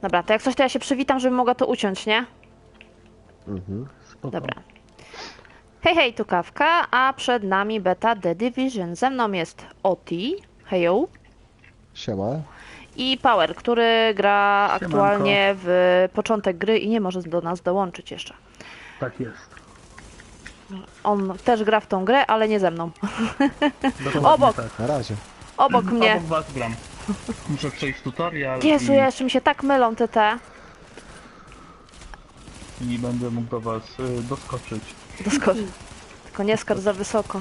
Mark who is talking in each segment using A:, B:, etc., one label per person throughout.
A: Dobra, to jak coś, to ja się przywitam, żebym mogła to uciąć, nie?
B: Spoko.
A: Dobra. Hej, hej, tu Kawka, a przed nami beta The Division. Ze mną jest Oti, hejo,
B: Siema.
A: i Power, który gra
C: Siemanko.
A: aktualnie w początek gry i nie może do nas dołączyć jeszcze.
C: Tak jest.
A: On też gra w tą grę, ale nie ze mną.
C: Dokładnie
A: Obok.
C: tak.
B: Na razie.
A: Obok mnie.
C: Obok was gram. Muszę przejść tutorial
A: Jezu, jeszcze mi się tak mylą te.
C: i będę mógł do was doskoczyć.
A: Doskocz. Tylko nie skacz za wysoko.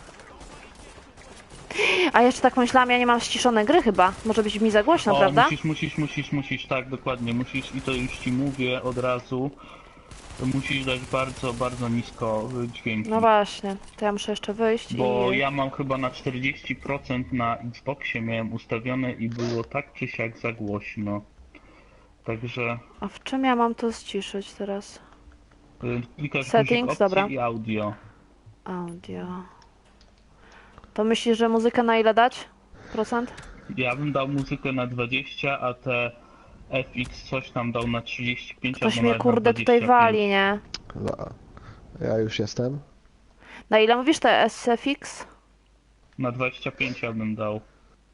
A: A jeszcze tak myślałam, ja nie mam ściszonej gry chyba. Może być mi za głośno,
C: O,
A: prawda?
C: musisz, tak, dokładnie, musisz i to już ci mówię od razu. Musisz dać bardzo, bardzo nisko dźwięki.
A: No właśnie, to ja muszę jeszcze wyjść
C: Bo
A: i...
C: ja mam chyba na 40% na Xboxie miałem ustawione i było tak czy siak za głośno. Także
A: A w czym ja mam to ściszyć teraz?
C: klikasz
A: Settings,
C: guzik opcji
A: dobra.
C: i audio.
A: Audio... To myślisz, że muzykę na ile dać? Procent?
C: Ja bym dał muzykę na 20, a te FX coś tam dał na 35,
A: Ktoś
C: albo
A: mnie
C: nawet na
A: kurde tutaj
C: 25.
A: wali, nie?
B: No. Ja już jestem.
A: Na ile mówisz te SFX?
C: Na 25 ja bym dał.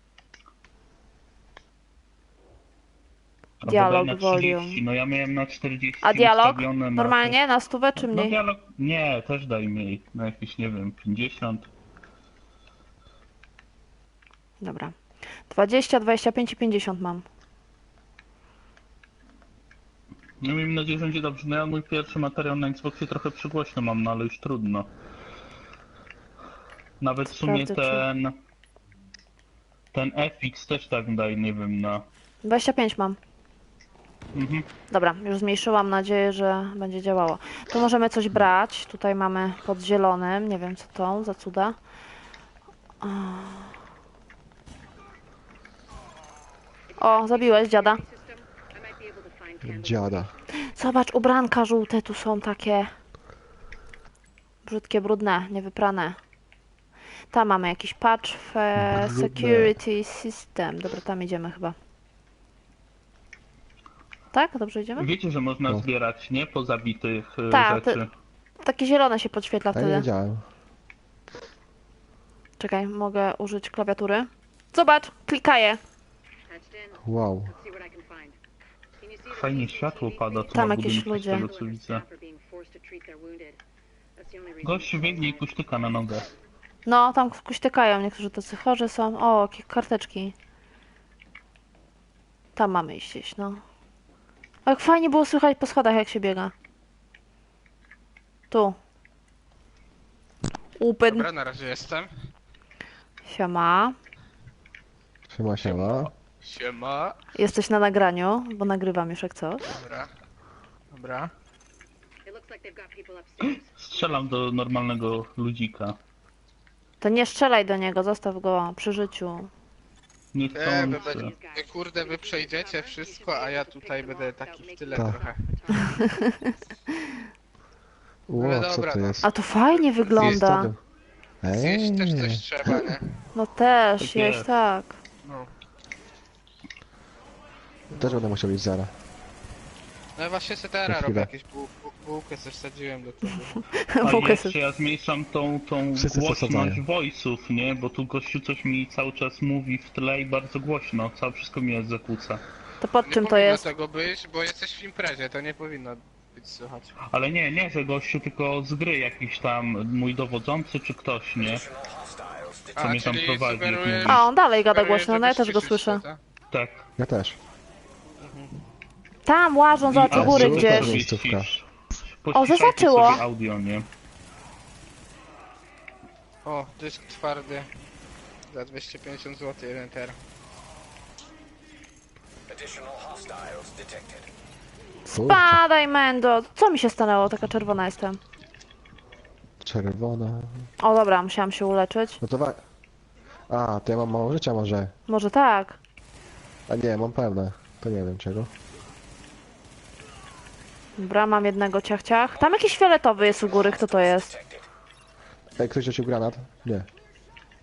C: Albo
A: Dialog,
C: daj na 30,
A: volume.
C: no ja miałem na 40
A: A dialog?
C: ustawione na
A: Normalnie? Na stówę czy
C: No
A: mniej?
C: dialog, nie, też daj mniej, na jakieś, nie wiem, 50.
A: Dobra. 20, 25 i 50 mam.
C: No miejmy nadzieję, że będzie dobrze. No ja mój pierwszy materiał na Xboxie trochę przygłośno mam, no ale już trudno. Nawet w sumie
A: Sprawdzę, czy-
C: ten FX też tak daj, nie wiem, na...
A: 25 mam.
C: Mhm.
A: Dobra, już zmniejszyłam, mam nadzieję, że będzie działało. Tu możemy coś brać. Tutaj mamy pod zielonym. Nie wiem co to za cuda. O, zabiłeś dziada.
B: Dziada.
A: Zobacz, ubranka żółte tu są takie. Brzydkie, brudne, niewyprane. Tam mamy jakiś patch
B: Brudne.
A: security system. Dobra, tam idziemy chyba. Tak? Dobrze idziemy?
C: Wiecie, że można
B: No.
C: zbierać, nie? Pozabitych
A: Tak,
C: rzeczy.
A: Takie zielone się podświetla
B: Ja nie
A: wtedy.
B: wiedziałem.
A: Czekaj, mogę użyć klawiatury. Zobacz, klikaję.
B: Wow.
C: Fajnie światło pada tu
A: Tam
C: na
A: jakieś
C: budynku,
A: ludzie.
C: z tego co widzę. Gościu biegnie i kuśtyka na nogę.
A: No, tam kuśtykają, niektórzy tacy chorzy są. O, jakie karteczki. Tam mamy iść, no. O, jak fajnie było słychać po schodach, jak się biega. Tu. Upyn.
D: Dobra, na razie jestem.
A: Siema.
B: Siema, siema.
D: Siema.
A: Jesteś na nagraniu, bo nagrywam już jak coś.
D: Dobra. Dobra.
C: Strzelam do normalnego ludzika.
A: To nie strzelaj do niego, zostaw go przy życiu.
C: Nie
D: Wy,
C: chcący.
D: kurde, wy przejdziecie wszystko, a ja tutaj będę taki w tyle
B: Tak.
D: trochę.
B: Ło, co
D: dobra,
B: to
D: no.
B: jest?
A: A to fajnie wygląda.
D: Zjeść też
B: Ej,
D: coś trzeba, nie?
A: No też,
C: Tak
A: jeść
C: jest.
A: tak.
D: No.
B: też będę musiał iść zara.
D: No i właśnie se teraz
B: Na
D: robię
B: chwilę.
D: jakieś bułkę, coś sadziłem do tego.
C: A
A: Bułkę
C: jeszcze ja zmniejszam tą
B: Wszyscy
C: głośność
B: zasadzają.
C: voice'ów, nie? Bo tu gościu coś mi cały czas mówi w tle i bardzo głośno. Wszystko mi zakłóca.
A: To pod
D: Nie
A: czym to
D: powinno
A: jest?
D: tego być, bo jesteś w imprezie, to nie powinno być słychać.
C: Ale nie, że gościu, tylko z gry jakiś tam mój dowodzący czy ktoś, nie? Co mnie tam
D: czyli
C: prowadzi,
D: sugerujesz-
C: nie?
A: A, on dalej gada
D: sugerujesz,
A: głośno, no ja
D: żeby
A: też go
D: ściszyć
A: słyszę.
D: to, tak?
C: Tak.
B: Ja też.
A: Tam łażą, zobacz u
C: A,
A: góry
B: super.
A: gdzieś.
B: Jest miejscówka.
A: O,
C: Pościszajcie
A: zaznaczyło.
C: sobie audio, nie?
D: O, dysk twardy. Za 250 zł, 1 ter.
B: Kurczę.
A: Spadaj, Mendo! Co mi się stanęło? Taka czerwona jestem.
B: Czerwona.
A: O, dobra, musiałam się uleczyć.
B: No to A, to ja mam mało życia może.
A: Może tak.
B: A nie, mam pełne. To nie wiem czego.
A: Dobra, mam jednego ciach. Tam jakiś fioletowy jest u góry, kto to jest?
B: Ej, ktoś rzucił granat? Nie.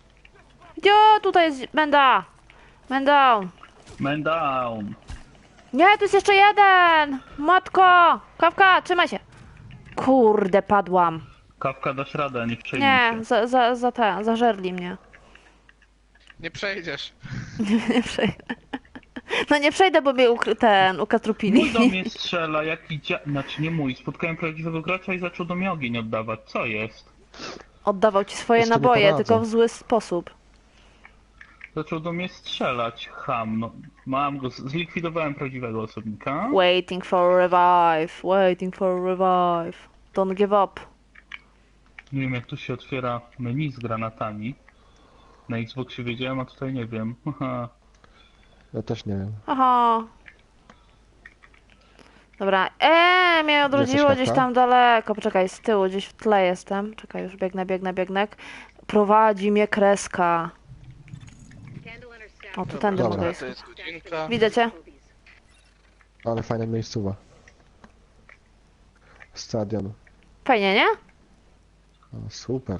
A: Gdzie? Tutaj jest Menda! Man down!
C: Man down.
A: Nie, tu jest jeszcze jeden! Matko! Kawka, trzymaj się! Kurde, padłam.
C: Kawka, dasz radę, nie przejmuj
A: Nie,
C: się.
A: zażerli mnie.
D: Nie przejdziesz.
A: Nie przejdę. No nie przejdę, bo mnie
C: Mój do
A: ukatrupili.
C: mnie strzela, znaczy nie mój, spotkałem prawdziwego gracza i zaczął do mnie ogień oddawać. Co jest?
A: Oddawał ci swoje
B: Już to nie
A: naboje,
B: poradzę.
A: tylko w zły sposób.
C: Zaczął do mnie strzelać, ham, no. Mam go, zlikwidowałem prawdziwego osobnika.
A: Waiting for revive, waiting for revive. Don't give up.
C: Nie wiem jak tu się otwiera menu z granatami. Na Xboxie wiedziałem, a tutaj nie wiem. Haha.
B: Ja też nie wiem.
A: Aha. Dobra, mnie odrodziło
B: jesteś,
A: gdzieś
B: Kawka?
A: tam daleko. Poczekaj, z tyłu, gdzieś w tle jestem. Czekaj, już biegnę. Prowadzi mnie kreska. O, tu tędy
B: Dobra.
A: mogę
D: To
A: iść.
D: jest godzinka.
A: Widzę cię?
B: Ale fajna miejscowa. Stadion.
A: Fajnie, nie?
B: O, super.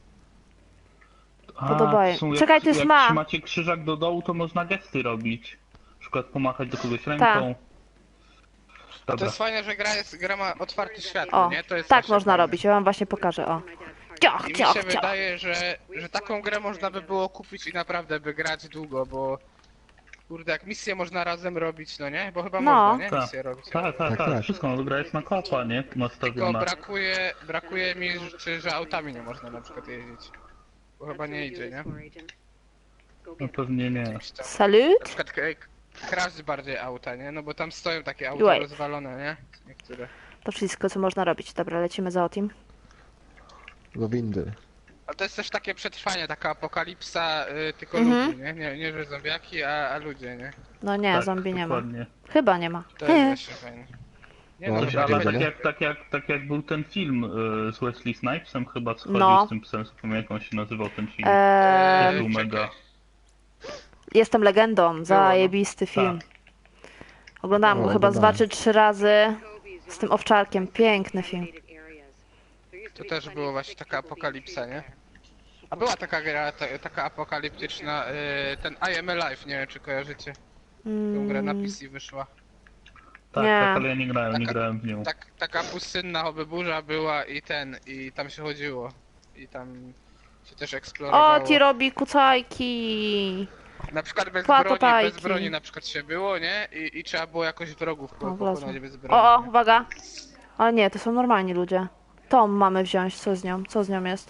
A: Podobaje.
C: w sumie
A: Czekaj, to jest
C: jak
A: ma.
C: trzymacie krzyżak do dołu, to można gesty robić. Na przykład pomachać do kogoś ręką.
D: To
C: Dobra.
D: jest fajne, że gra ma otwarty świat,
A: O,
D: nie? To jest
A: tak
D: właśnie
A: można
D: fajne.
A: robić. Ja wam właśnie pokażę, o. Ciach,
D: I mi
A: ciach,
D: się
A: ciach.
D: wydaje, że taką grę można by było kupić i naprawdę by grać długo, bo... Kurde, jak misje można razem robić, no nie? Bo chyba
A: No.
D: można, nie?
C: Tak.
D: Misje robić.
B: Tak, tak.
C: Wszystko, no gra jest na kopa, nie?
D: Tylko
C: Nastawiona.
D: brakuje mi, że autami nie można na przykład jeździć. Bo chyba nie idzie, nie?
C: No pewnie nie.
D: Jakoś tam.
A: Salut?
D: Na przykład kraść bardziej auta, nie? No bo tam stoją takie
A: Wait.
D: auta rozwalone, nie? Niektóre.
A: To wszystko, co można robić. Dobra, lecimy za Otim.
B: Do windy.
D: Ale to jest też takie przetrwanie, taka apokalipsa, tylko
A: Mhm.
D: ludzi, nie? Nie, że zombiaki, a ludzie, nie?
A: No nie,
C: Tak,
A: zombie nie ma.
C: dokładnie.
A: Chyba nie ma.
D: To jest właśnie fajne. Nie
B: No,
D: no,
B: ale
D: że
C: Ale
B: Wiedzieli?
C: tak jak był ten film z Wesley Snipesem chyba schodził
A: No.
C: z tym psem, zapomniałem jak on się nazywał ten film.
A: Eee,
C: Był mega.
A: Jestem legendą. Zajebisty film. Oglądałam go
B: No,
A: chyba z
B: oglądałem.
A: 2 czy 3 razy. Z tym owczarkiem. Piękny film.
D: To też było właśnie taka apokalipsa, nie? A była taka gra, taka apokaliptyczna, ten I Am Alive, nie wiem czy kojarzycie. Tą grę na PC wyszła.
C: Tak,
A: Nie.
C: tak, ale ja nie grałem w nią.
D: Taka pustynna obyburza była i tam się chodziło. I tam się też eksplorowało.
A: O, ti robi kucajki.
D: Na przykład bez
A: Kłakopajki.
D: broni na przykład się było, nie? I trzeba było jakoś wrogów
A: wlazłem.
D: pokonać bez broni.
A: O,
D: nie?
A: uwaga. Ale nie, to są normalni ludzie. Tom mamy wziąć. Co z nią? Co z nią jest?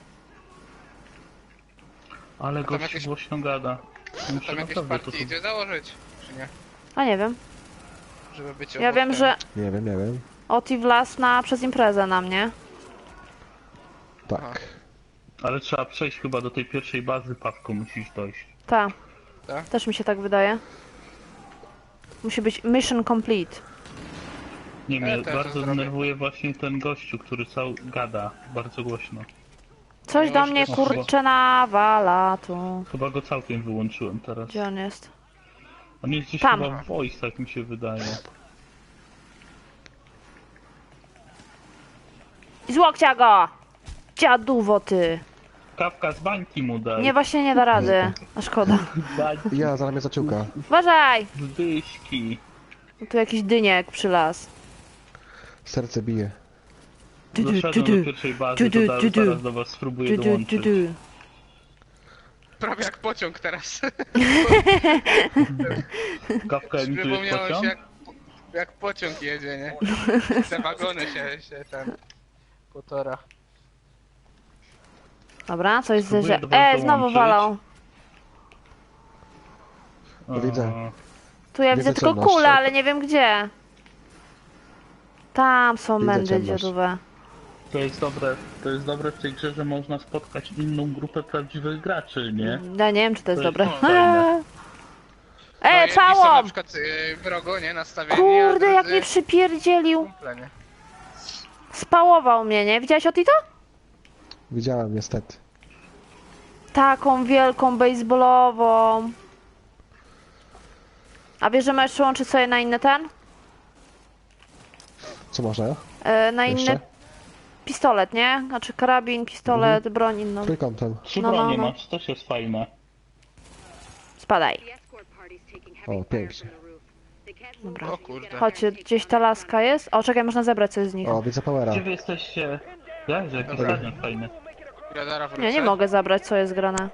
C: Ale
D: tam
C: gość
D: jakieś-
C: głośno gada. Muszę
D: Tam jakieś
C: naprawdę to
D: partie idzie założyć, czy nie?
A: A nie wiem.
D: Żeby być
A: Ja
D: obok
A: wiem,
D: ten-
A: że
B: Nie wiem.
A: Oti wlazł przez imprezę na mnie.
B: Tak.
D: Aha.
C: Ale trzeba przejść chyba do tej pierwszej bazy, Pawku, musisz dojść.
A: Ta.
D: Tak?
A: Też mi się tak wydaje. Musi być mission complete.
C: Nie, mnie
D: też to
C: bardzo
D: zrobię.
C: denerwuje właśnie ten gościu, który gada bardzo głośno.
A: Coś
D: No
A: do
D: już
A: mnie
D: też-
A: kurczę nawala tu.
C: Chyba go całkiem wyłączyłem teraz.
A: Gdzie on jest?
C: On jest gdzieś
A: Tam.
C: chyba w voice, tak mi się wydaje.
A: I z łokcia go! Dziaduwo ty!
C: Kawka z bańki mu daj.
A: Nie, właśnie nie da rady. A szkoda.
C: Bańki
B: Ja, zaraz mnie zaciuka.
A: Uważaj!
C: z dyśki.
A: Tu jakiś dyniek przylazł.
B: Serce bije.
C: Doszedłem do pierwszej bazy, to zaraz do was spróbuję dołączyć.
D: Prawie jak pociąg teraz.
C: Kawka emituje
D: Przypomniało
C: pociąg?
D: się jak pociąg jedzie, nie? Te wagony się ten... Potora.
A: Dobra, coś
C: Spróbuję
A: zderzy...
C: do was
A: znowu
C: dołączyć.
A: walą.
B: No widzę.
A: Tu ja
B: Widzę
A: widzę tylko
B: ciemność.
A: kulę, ale nie wiem gdzie. Tam są
B: Widzę
A: mędy
B: ciemność.
A: dziadowe.
C: To jest dobre w tej grze, że można spotkać inną grupę prawdziwych graczy, nie?
A: Ja nie wiem, czy to jest
C: To jest
A: dobre.
C: fajne.
D: No, jedni są na
A: całą!
D: przykład wrogo, nie? Nastawieni,
A: Kurde,
D: a
A: jak
D: drudzy
A: mnie przypierdzielił.
D: kumple, nie?
A: Spałował mnie, nie? Widziałeś o to?
B: Widziałem niestety.
A: Taką wielką baseballową. A wiesz, że możesz przełączyć sobie na inny ten?
B: Co można?
A: Na inny
B: Jeszcze?
A: pistolet, nie? Znaczy karabin, pistolet, broń inną.
B: Trójkątem.
C: Trzy
A: No,
C: bronie
A: no.
C: masz, to też jest fajne.
A: Spadaj.
B: O, pięknie.
A: Dobra.
D: O kurde.
A: Chodźcie, gdzieś ta laska jest? O, czekaj, można zebrać coś z nich.
B: O, widzę powera.
C: Gdzie wy jesteście? Jezu, jaki
D: Dobra.
C: stadion fajny.
D: Radara wrócę.
A: Nie, nie mogę zabrać, co jest grane.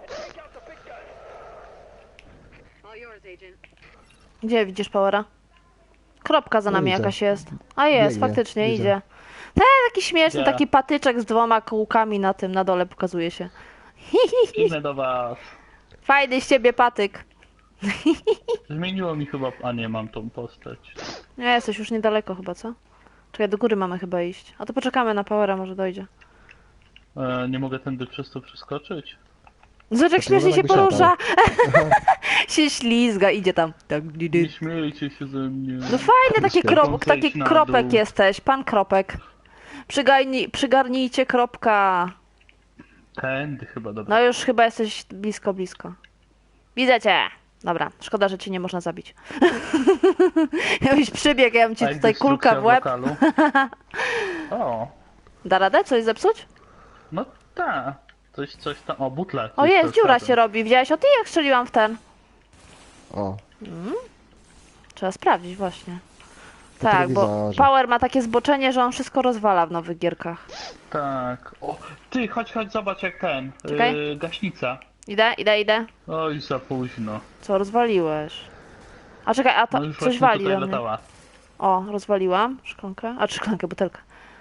A: Gdzie widzisz Powera? Kropka za
B: Nie
A: nami
B: widzę.
A: jakaś jest. A jest,
B: Biegnie,
A: faktycznie
B: widzę.
A: idzie. Taki śmieszny,
C: Gdzie?
A: taki patyczek z 2 kółkami na tym, na dole pokazuje się.
C: Biegnę do was.
A: Fajny z ciebie patyk.
C: Zmieniło mi chyba... A nie, mam tą postać.
A: Nie, jesteś już niedaleko chyba, co? Czekaj, do góry mamy chyba iść. A to poczekamy na Powera, może dojdzie.
C: Nie mogę tędy przez to przeskoczyć?
A: Zobacz, jak
B: To
A: śmiesznie
B: może
A: się
B: jakbyś
A: porusza. się ślizga, idzie tam. Tak,
C: Nie śmiejcie się ze mnie.
A: no fajny taki,
B: Śmiesznie.
A: taki
C: Zejdź na
A: kropek
C: dół.
A: jesteś, pan kropek. Przygarnijcie kropka.
C: Tędy chyba, dobra.
A: No już chyba jesteś blisko, blisko. Widzę cię. Dobra, szkoda, że cię nie można zabić. Jakbyś przybiegł, ja bym ci
C: A jak
A: tutaj kulka w
C: destrukcja
A: łeb.
C: lokalu? O,
A: Da radę coś zepsuć?
C: no tak. Coś tam... O, butla.
A: O jest, dziura się robi. Widziałeś o ty jak strzeliłam w ten?
B: O,
A: Trzeba sprawdzić właśnie.
B: Na
A: Tak, bo
B: telewizorze.
A: Power ma takie zboczenie, że on wszystko rozwala w nowych gierkach.
C: Tak. O, ty, chodź, zobacz jak ten.
A: Czekaj.
C: Gaśnica.
A: Idę.
C: Oj, za późno.
A: Co, rozwaliłeś? A czekaj, a to
C: No już
A: coś
C: właśnie
A: wali
C: tutaj
A: do mnie.
C: latała.
A: O, rozwaliłam szklankę. A, czy szklankę, butelkę.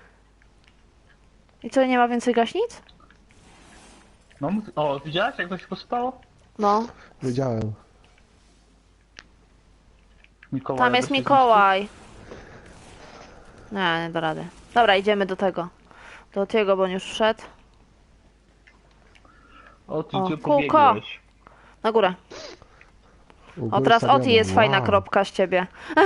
A: I co, nie ma więcej gaśnic?
C: No, o, widziałaś jak to się pospało?
A: No,
B: wiedziałem.
C: Mikołaj.
A: tam jest Mikołaj. Nie da rady. Dobra, idziemy do tego. Do tego, bo on już wszedł.
C: O, ty
A: O,
C: gdzie
A: kółko.
C: pobiegłeś?
A: Na górę.
B: U
A: O,
B: góry
A: teraz
B: stadionu.
A: Oti jest fajna
B: Wow.
A: kropka z ciebie.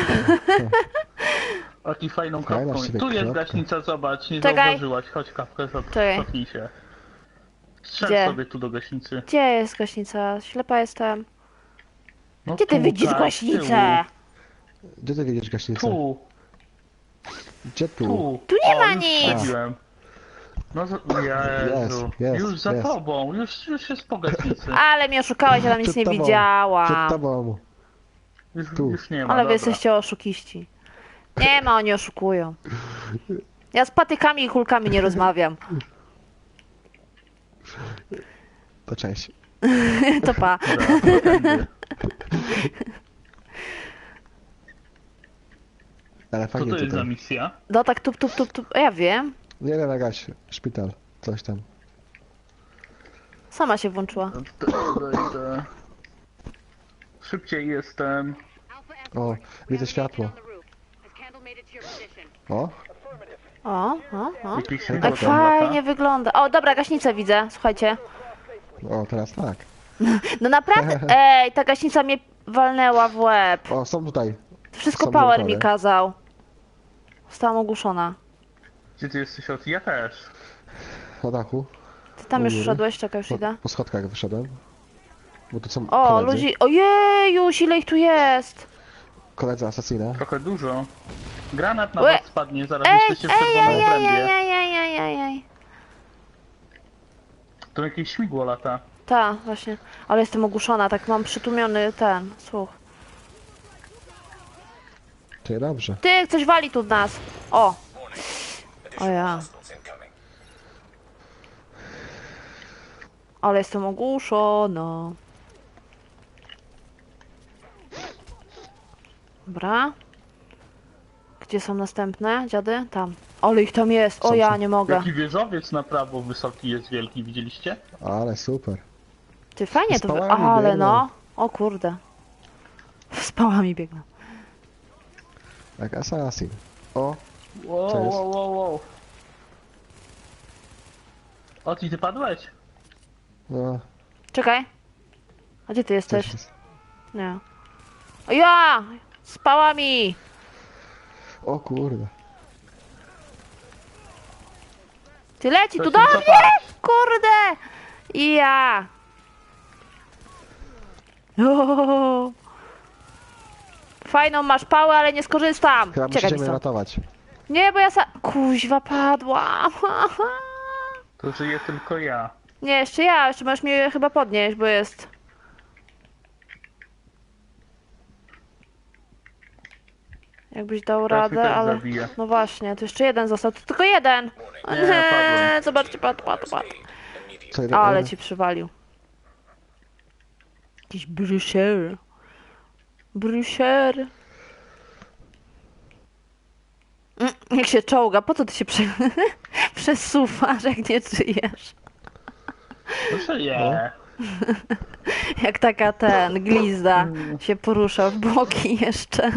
C: O, ty fajną
B: Fajna
C: kropką.
B: z ciebie
C: Tu jest
B: kropka.
C: gaśnica, zobacz, nie
A: Czekaj.
C: zauważyłaś. Chodź kapkę,
A: Czekaj.
C: cofnij się. Strzel
A: Gdzie?
C: sobie tu do gaśnicy.
A: Gdzie jest gaśnica? Ślepa jestem.
C: No
A: Gdzie ty
C: tu,
A: widzisz
C: tak,
A: gaśnicę?
B: Gdzie ty widzisz gaśnicę?
C: Tu,
B: Gdzie tu?
C: tu.
A: Tu nie
C: O,
A: ma
C: już
A: nic.
C: wchodziłem. No, Jezu.
B: Jest,
C: Już za
B: jest.
C: tobą, już jest po gaśnicy.
A: Ale mnie oszukałeś, ja tam nic
B: Przed
A: nie
B: tobą. Przed
A: widziałam.
B: tobą. tu.
C: Już nie ma,
A: Ale wy
C: dobra.
A: jesteście oszukiści. Nie ma, oni oszukują. Ja z patykami i kulkami nie rozmawiam.
B: To cześć.
A: To pa.
C: Dobra, to tędy.
B: Ale
C: Co
B: fajnie
C: to jest za
B: tutaj.
C: misja?
A: No tak tup. Ja wiem.
B: Nie wiem, jakaś szpital. Coś tam.
A: Sama się włączyła.
C: Idę. Szybciej jestem.
B: O, widzę światło. O,
A: O.
C: Jakiś
B: Tak
A: Tak
C: śmigło tam
A: fajnie
C: lata.
A: wygląda. O, dobra, gaśnicę widzę, słuchajcie.
B: o, teraz tak.
A: No naprawdę, ej, ta gaśnica mnie walnęła w łeb.
B: O, są tutaj.
A: Wszystko
B: Są
A: Power
B: gotowe.
A: mi kazał. Zostałam ogłuszona.
C: Gdzie ty jesteś od? Ja też.
B: Na dachu.
A: Ty tam
B: U
A: już
B: góry.
A: wszedłeś, czekaj, już idę.
B: Po schodkach wyszedłem. Bo tu są
A: O,
B: koledzy.
A: ludzi, ojejuś, ile ich tu jest.
B: Koledzy asasina.
C: Trochę dużo. Granat na
A: Łe.
C: was spadnie, zaraz
A: Ej,
C: jesteście w czerwonym obrębie.
A: ej.
C: To jakieś śmigło lata.
A: Ta, właśnie. Ale jestem ogłuszona, tak mam przytłumiony ten słuch.
B: Ty, dobrze.
A: Ty, coś wali tu w nas. O. O ja. Ale jestem ogłuszona. Dobra. Gdzie są następne dziady? Tam. Ale ich tam jest. O
B: Są,
A: ja
B: są.
A: nie mogę.
C: Jaki wieżowiec na prawo wysoki jest wielki, widzieliście?
B: Ale super.
A: Ty fajnie to.
B: Z pałami
A: Ale
B: biegną.
A: no. O kurde. Z pałami biegną.
B: Jak asasin. O,
C: Wow,
B: Co jest?
C: wow. O, ty padłeś?
B: no.
A: Czekaj. A gdzie ty jesteś?
B: Coś jest.
A: Nie. O ja! Z pałami!
B: O kurde.
A: Ty leci
C: To
A: tu
C: się
A: do mnie!
C: cofać.
A: Kurde! I ja! O! Fajną masz pałę, ale nie skorzystam!
B: Chyba
A: Czekaj,
B: musicie mnie
A: Miso.
B: ratować.
A: Nie, bo ja Kuźwa, padłam!
C: To żyję tylko ja.
A: Nie, jeszcze ja, jeszcze możesz mnie chyba podnieść, bo jest... Jakbyś dał
C: Teraz mnie
A: radę,
C: też
A: ale...
C: zabije.
A: No właśnie, tu jeszcze jeden został. Tu tylko jeden! O
C: Nie,
A: nie,
C: padłem.
A: zobaczcie, padł.
B: Co jeden?
A: Ale ci przywalił. Jakiś brusher. Brusher. Jak się czołga, po co ty się przesuwasz, jak nie żyjesz?
C: Proszę nie.
A: Jak taka glizda się porusza w boki jeszcze.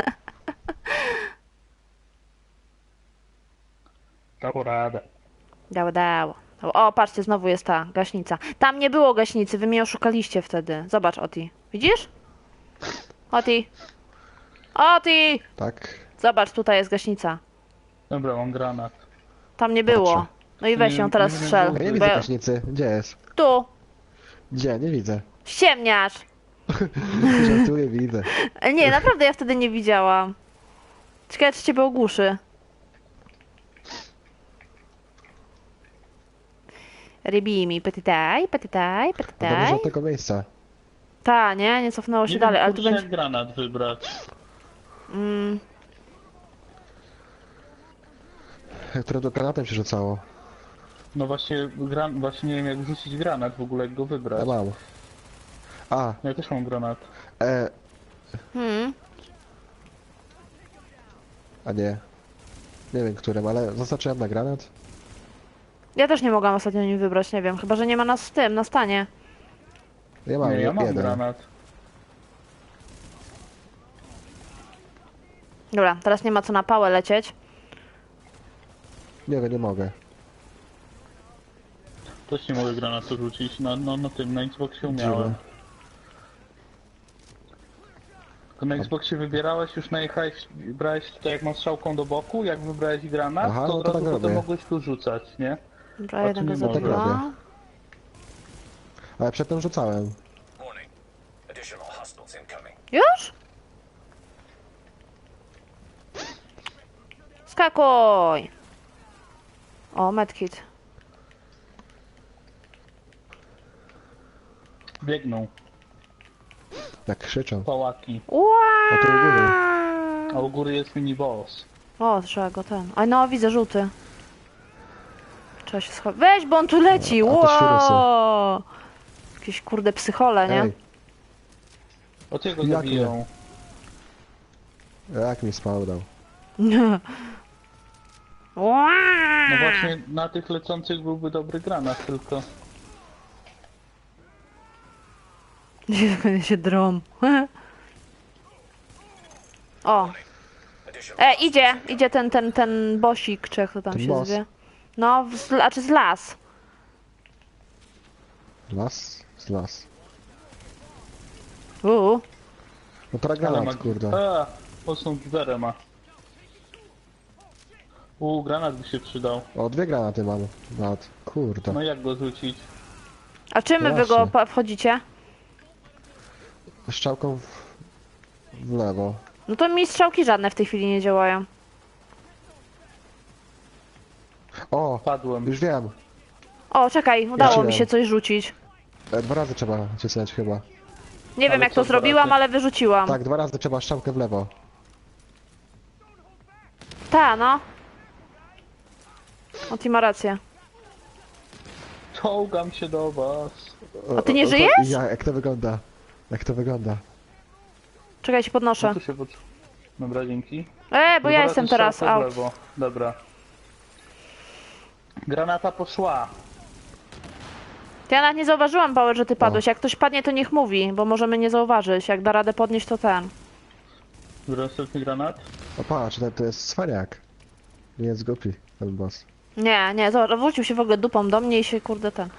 C: Dało radę.
A: Dało. O, patrzcie, znowu jest ta gaśnica. Tam nie było gaśnicy, wy mnie oszukaliście wtedy. Zobacz, Oti. Widzisz? Oti! Oti!
B: Tak.
A: Zobacz, tutaj jest gaśnica.
C: Dobra, mam granat.
A: Tam nie było.
B: Patrzę.
A: No i weź ją
C: Nie,
A: teraz
C: nie
A: strzel.
C: było.
B: A ja nie
A: Bo
B: widzę gaśnicy. Gdzie jest?
A: Tu!
B: Gdzie? Nie widzę.
A: Ściemniasz!
B: Żartuję, widzę.
A: Nie, naprawdę ja wtedy nie widziałam. Ciekawe, czy ciebie ogłuszy. Rybimi, petitaj.
B: A to dużo tego miejsca.
A: Ta, nie cofnęło się
C: Nie
A: dalej,
C: wiem,
A: ale tu
C: kurczę,
A: będzie...
C: jak granat wybrać.
B: Które to granatem się rzucało.
C: No właśnie, właśnie nie wiem jak rzucić granat w ogóle, jak go wybrać.
B: Ja mam. A,
C: Ja też mam granat.
A: Hmm.
B: a nie. Nie wiem którym, ale zaznaczyłem na granat.
A: Ja też nie mogłam ostatnio nim wybrać, nie wiem. Chyba, że nie ma nas w tym, na stanie.
B: Ja mam,
C: Nie, ja mam
B: jeden.
C: granat.
A: Dobra, teraz nie ma co na pałę lecieć.
B: Nie wiem, nie mogę.
C: Też nie mogę granatu rzucić. Na tym, na Xboxie
B: Dziwne.
C: umiałem. To na Xboxie wybierałeś, już najechałeś, brałeś tutaj jak masz strzałką do boku, jak wybrałeś granat,
B: Aha,
C: to
B: no
C: od
B: to
C: razu
B: tak
C: potem
B: robię.
C: mogłeś tu rzucać, nie?
A: Dobra,
C: A
A: jeden
C: tu
A: go
C: nie mogę.
A: zabiła.
B: robię. Ale przedtem rzucałem.
E: Warning. Additional hostiles incoming.
A: Już? Skakuj! O, medkit.
C: Biegną,
B: Jak krzyczą.
C: pałaki.
B: O, tu u góry.
C: A u góry jest mini boss.
A: O, trzeba go ten. Oj, no, widzę żółty. Trzeba się schować. Weź, bo on tu leci!
B: A to świrusy.
A: Wow! Jakieś kurde psychole, nie?
B: Ej,
C: Od jego
B: Jak
C: zabiją.
B: jak mi spał dał.
A: Wow!
C: No właśnie na tych lecących byłby dobry granat, tylko...
A: się drom. O!
E: Additional
A: Idzie ten bosik, czy jak to tam
B: Ten
A: się
B: boss?
A: zwie. No, znaczy z las.
B: Las? Z las. No to
C: Ale
B: granat,
C: ma...
B: kurde.
C: A, mocną giwerę ma. Granat by się przydał.
B: O, 2 granaty mam. Nawet. Kurde.
C: No jak go rzucić?
A: A czym
B: No
A: wy go
B: właśnie.
A: wchodzicie?
B: Strzałką w lewo.
A: No to mi strzałki żadne w tej chwili nie działają.
B: O,
C: Padłem.
B: już wiem.
A: O, czekaj, udało mi
B: Rzuciłem.
A: się coś rzucić.
B: 2 razy trzeba cisnąć chyba.
A: Nie wiem
C: Ale
A: jak
C: co
A: to zrobiłam,
C: razy?
A: ale wyrzuciłam.
B: Tak, 2 razy trzeba strzałkę w lewo.
A: Ta, no. O, ty ma rację.
C: Czołgam się do was.
A: A ty nie
B: to-
A: żyjesz?
B: Jak to wygląda? Jak to wygląda?
A: Czekaj, się
C: No
A: podnoszę.
C: tu się pod... Dobra, dzięki.
A: Bo ja
C: Dwa
A: jestem
C: razy
A: teraz
C: strzałką w
A: out.
C: lewo. Dobra. Granata poszła.
A: To ja nawet nie zauważyłam, Paweł, że ty padłeś. Jak ktoś padnie, to niech mówi, bo możemy nie zauważyć. Jak da radę podnieść, to ten.
C: Dobra, następny granat.
B: O patrz, to jest cwaniak. Nie jest głupi ten boss.
A: Nie, zobacz, wrócił się w ogóle dupą do mnie i się kurde ten.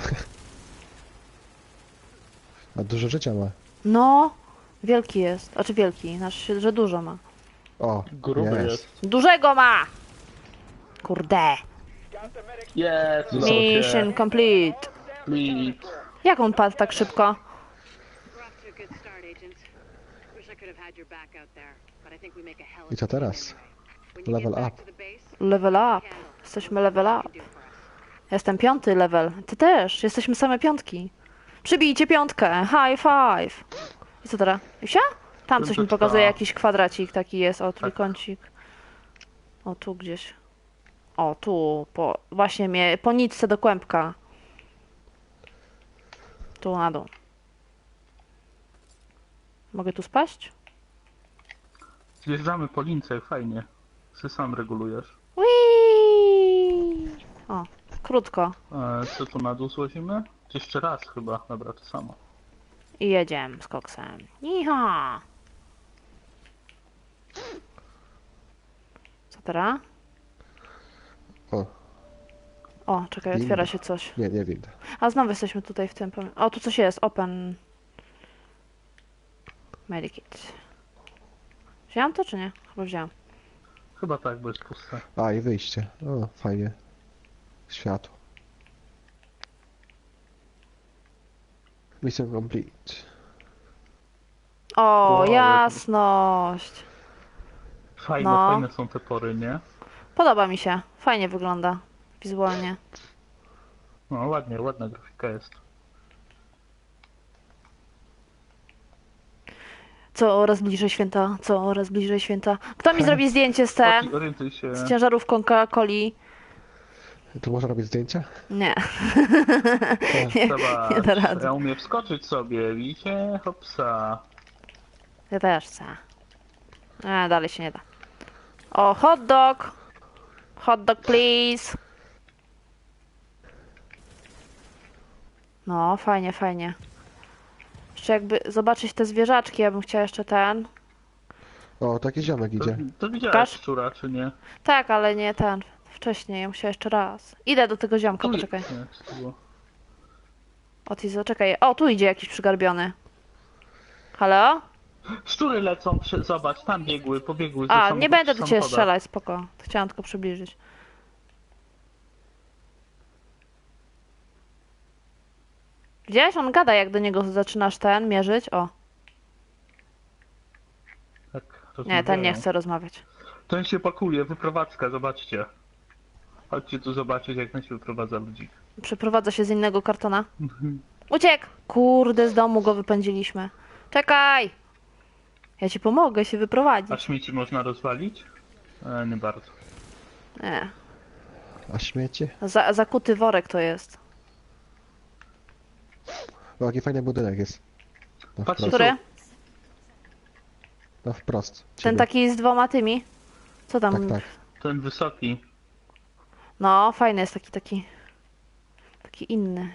B: A dużo życia ma.
A: No, wielki jest. Znaczy wielki, znaczy, że dużo ma.
B: O,
C: Gruby jest.
A: Dużego ma! Kurde.
C: Jest! udało
A: Mission
C: się.
A: complete.
C: Complete.
A: Jak on padł tak szybko?
F: We're off to a good start, agent. Wish I could have had your back out there, but I think we make a hell of
B: I co
F: a team
B: teraz?
F: anyway. When you
B: Level
F: get back
B: up.
F: to the base,
A: Level up.
F: handle
A: Jesteśmy level
F: what
A: up.
F: you do for us.
A: Jestem 5. level. Ty też. Jesteśmy same 5. Przybijcie 5. High five. I co teraz? Isia? Tam coś mi
C: Piąteczka.
A: pokazuje, jakiś kwadracik taki jest, o trójkącik. O tu gdzieś. O tu, właśnie mnie, po nitce do kłębka. Tu na dół. Mogę tu spaść?
C: Zjeżdżamy po lince, jak fajnie. Ty sam regulujesz.
A: Whee! O, krótko.
C: Co tu na dół złazimy? Jeszcze raz chyba. Dobra, to samo.
A: I jedziemy z koksem. Iha! Co teraz?
B: O,
A: O, czekaj,
B: Winda.
A: otwiera się coś.
B: nie widzę.
A: A znowu jesteśmy tutaj w tym. O, tu coś jest. Open. Medikit. Wziąłem to czy nie? Chyba wziąłem.
C: Chyba tak, bo jest puste.
B: A, i wyjście. O, fajnie. Światło. Mission complete.
A: O,
C: Wow,
A: jasność.
C: Fajne,
A: No.
C: fajne są te pory, nie?
A: Podoba mi się. Fajnie wygląda. Wizualnie.
C: No ładnie, ładna grafika jest.
A: Coraz bliżej święta. Coraz bliżej święta. Kto mi zrobi zdjęcie
C: Orientuj się.
A: z ciężarówką Coca-Coli?
B: Tu można robić zdjęcia?
A: Nie. nie
C: Zobacz,
A: da rady.
C: ja umiem wskoczyć sobie, widzicie? Hopsa.
A: Ja też chcę. Dalej się nie da. O, hot dog. Hot dog, please. No, fajnie, fajnie. Jeszcze jakby zobaczyć te zwierzaczki, ja bym chciała jeszcze ten.
B: O, taki ziomek
C: To,
B: idzie.
C: to widziałeś
A: Pokaż.
C: szczura, czy nie?
A: Tak, ale nie ten. Wcześniej, ja musiała jeszcze raz. Idę do tego ziomka, poczekaj.
C: Nie, co to było?
A: O, ty zaczekaj. O, tu idzie jakiś przygarbiony. Halo?
C: Szczury lecą, zobacz, tam pobiegły. ze
A: A,
C: samochodu-
A: nie będę do ciebie
C: samochoda.
A: strzelać, spoko. Chciałam tylko przybliżyć. Widziałeś? On gada, jak do niego zaczynasz mierzyć. O,
C: Tak,
A: nie, ten nie
C: rozmawiają.
A: chce rozmawiać.
C: Ten się pakuje, wyprowadzka, zobaczcie. Chodźcie tu zobaczyć, jak ten się wyprowadza ludzi.
A: Przeprowadza się z innego kartona. Uciekł! Kurde, z domu go wypędziliśmy. Czekaj! Ja ci pomogę się
C: A
A: wyprowadzić.
C: śmieci można rozwalić? Nie bardzo.
A: Nie.
B: A śmiecie?
A: Zakuty worek to jest.
B: O, jaki fajny budynek jest. Na
C: Patrzcie,
B: wprost.
A: Który?
B: Na wprost.
A: Ten
B: Ciebie.
A: taki z dwoma tymi? Co tam?
B: Tak, tak.
C: Ten wysoki.
A: No, fajny jest taki inny.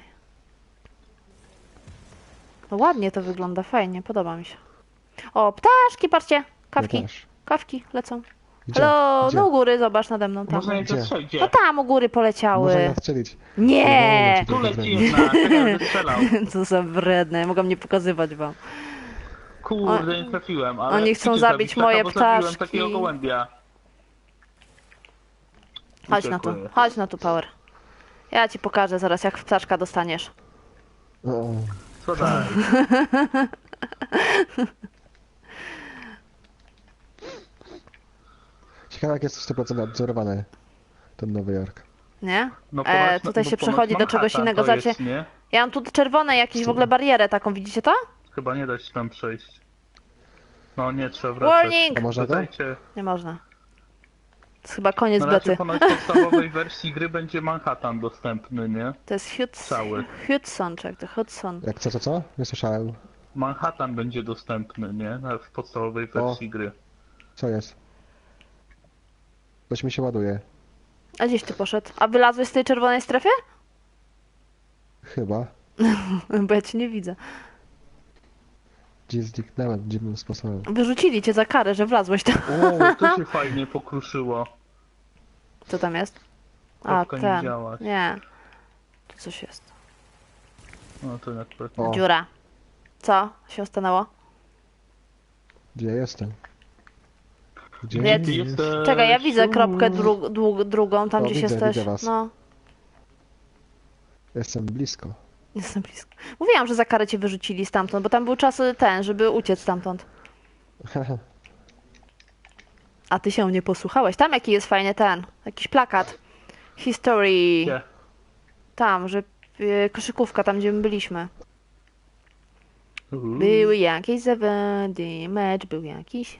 A: No ładnie to wygląda, fajnie, podoba mi się. O, ptaszki, patrzcie!
B: Ja
A: Kawki,
B: też.
A: kawki lecą.
B: Gdzie?
A: Halo,
B: Gdzie?
A: no u góry, zobacz nade mną tam.
C: Można je
B: Gdzie?
C: zastrzelić,
A: No
C: gdzie?
A: tam u góry
B: Można
A: poleciały.
B: je strzelić.
A: Nie!
C: Tu leci jedna, czekaj, wystrzelał.
A: Co za wredne, mogą nie pokazywać wam.
C: Kurde, nie trafiłem, ale...
A: Oni chcą
C: chcecie
A: zabić moje
C: bo zabiłem
A: ptaszki.
C: takiego gołębia.
A: Chodź na tu,
C: Uciekły.
A: chodź na tu, Power. Ja ci pokażę zaraz, jak ptaszka dostaniesz.
B: O,
C: Co dalej?
B: ciekawe jak jest 100% odzorowany ten Nowy Jork.
A: Nie?
C: No ponoć-
A: Tutaj
C: bo
A: się
C: ponoć
A: przechodzi do czegoś
C: Manhattan
A: innego.
C: to
A: Zobaczcie,
C: jest, nie?
A: ja mam tu czerwone jakieś w ogóle barierę taką, widzicie to?
C: Chyba nie da się tam przejść. No nie, trzeba wracać.
A: Warning!
B: A można to?
C: Wracajcie.
A: Nie można. To jest chyba koniec
C: Na razie
A: bety.
C: ponoć w podstawowej wersji gry będzie Manhattan dostępny, nie?
A: To jest
C: Cały.
A: Hudson, czy jak to Hudson.
B: Jak co? Nie słyszałem.
C: Manhattan będzie dostępny, nie? W podstawowej wersji gry.
B: Co jest? Coś mi się ładuje.
A: A gdzieś ty poszedł? A wylazłeś z tej czerwonej strefy?
B: Chyba.
A: Bo ja cię nie widzę.
B: Gdzie zniknąłem dziwnym sposobem.
A: Wyrzucili cię za karę, że wlazłeś tam.
C: O, to się fajnie pokruszyło.
A: Co tam jest? A,
C: Kropka nie
A: ten.
C: działa.
A: Nie. Tu coś jest.
C: No to akurat...
B: O,
A: Dziura. Co się stanęło?
B: gdzie jestem? Gdzie
A: Nie,
C: Ty jesteś...
A: Czekaj, ja widzę kropkę drugą, tam
B: O,
A: gdzieś
B: widzę,
A: jesteś.
B: widzę was.
A: No,
B: Jestem blisko.
A: jestem blisko. Mówiłam, że za karę cię wyrzucili stamtąd, bo tam był czas żeby uciec stamtąd. A ty się nie posłuchałeś. Tam jaki jest fajny jakiś plakat. History.
C: Gdzie?
A: Tam, że koszykówka, tam gdzie my byliśmy. Były jakieś zawody, mecz był jakiś.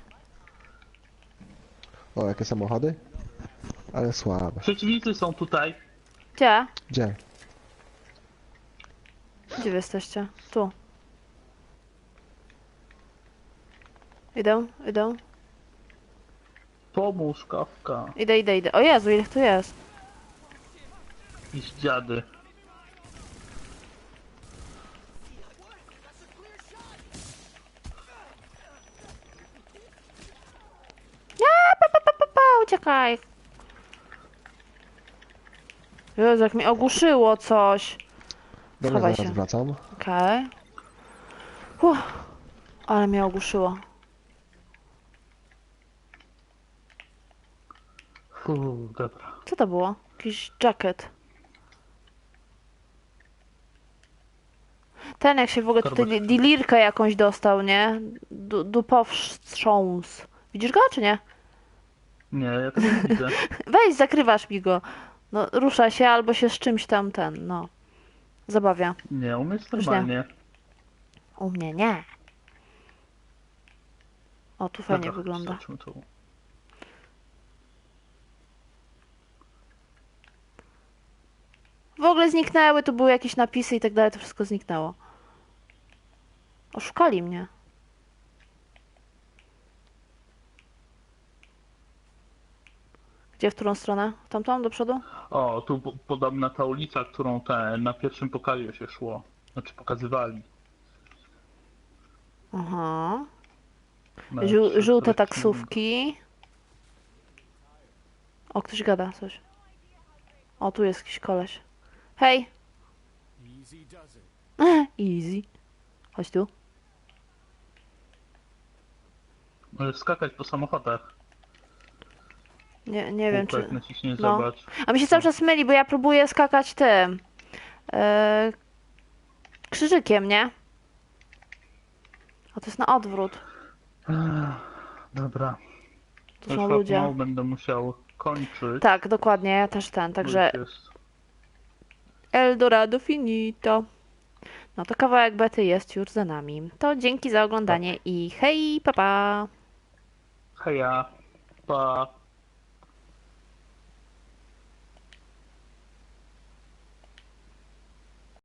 B: O, jakie samochody? Ale słabe.
C: Przeciwnicy są tutaj.
A: Gdzie?
B: Gdzie?
A: Gdzie wy jesteście? Tu. Idę, idę.
C: Pomóż, Kawka.
A: Idę. O Jezu, ile ich tu jest?
C: Jakieś dziady.
A: Uciekaj. Jezu, jak mi ogłuszyło coś.
B: Dobra,
A: Schowaj
B: zaraz
A: się.
B: wracam.
A: Okej. Ale mnie ogłuszyło.
C: Dobra.
A: Co to było? Jakiś jacket. Ten jak się w ogóle tutaj
C: Torbeczka.
A: dilirkę jakąś dostał, nie? Dupowstrząs. Widzisz go, czy nie?
C: Nie, ja tego nie widzę.
A: Weź, zakrywasz mi go. No, rusza się albo się z czymś tam no. Zabawia.
C: Nie, u mnie jest
A: Już nie.
C: normalnie.
A: U mnie nie. O, tu fajnie
C: Dobra,
A: wygląda.
C: zobaczmy tu.
A: W ogóle zniknęły, tu były jakieś napisy i tak dalej, to wszystko zniknęło. Oszukali mnie. Gdzie, w którą stronę? W tamtą, do przodu?
C: O, tu podobna ta ulica, którą na pierwszym pokazie się szło. Znaczy pokazywali.
A: Aha.
C: Na
A: Żółte
C: którymś
A: taksówki. O, ktoś gada coś. O, tu jest jakiś koleś. Hej! Easy. Chodź tu.
C: Możesz skakać po samochodach.
A: Nie wiem,
C: Kółko, jak
A: czy...
C: naciśniesz,
A: No.
C: zobacz.
A: A mi się cały czas myli, bo ja próbuję skakać tym. Krzyżykiem, nie? A to jest na odwrót.
C: Dobra.
A: Tu
C: Już
A: są
C: chyba
A: ludzie.
C: pomału będę musiał kończyć.
A: Tak, dokładnie, ja też ten,
C: bo
A: także
C: już jest.
A: Eldorado finito. No to kawałek bety jest już za nami. To dzięki za oglądanie i hej, pa pa!
C: Heja. Pa.